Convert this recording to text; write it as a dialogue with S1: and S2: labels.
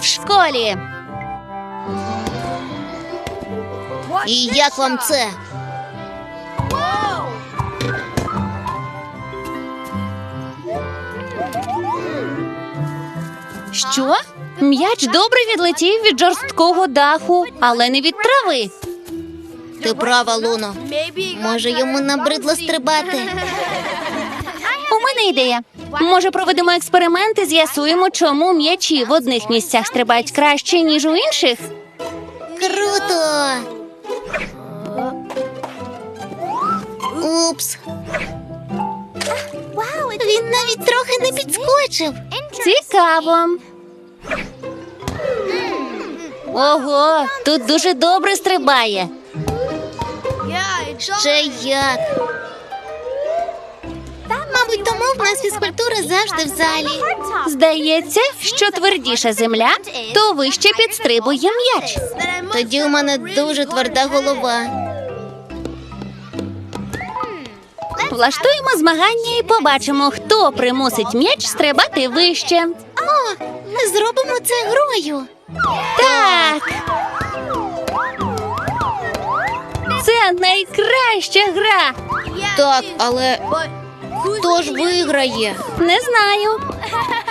S1: школі.
S2: І як вам це?
S1: Що? М'яч добре відлетів від жорсткого даху, але не від трави.
S2: Ти права, Луно. Може, йому набридло стрибати?
S1: У мене ідея. Може, проведемо експеримент і з'ясуємо, чому м'ячі в одних місцях стрибають краще, ніж у інших?
S2: Круто! Упс. Він навіть трохи не підскочив.
S1: Цікаво. Ого, тут дуже добре стрибає.
S2: Ще як. Мабуть, тому в нас фізкультура завжди в залі.
S1: Здається, що твердіша земля, то вище підстрибує м'яч.
S2: Тоді у мене дуже тверда голова.
S1: Влаштуємо змагання і побачимо, хто примусить м'яч стрибати вище.
S2: О, ми зробимо це грою.
S1: Так! Це найкраща гра.
S2: Так, але хто ж виграє?
S1: Не знаю.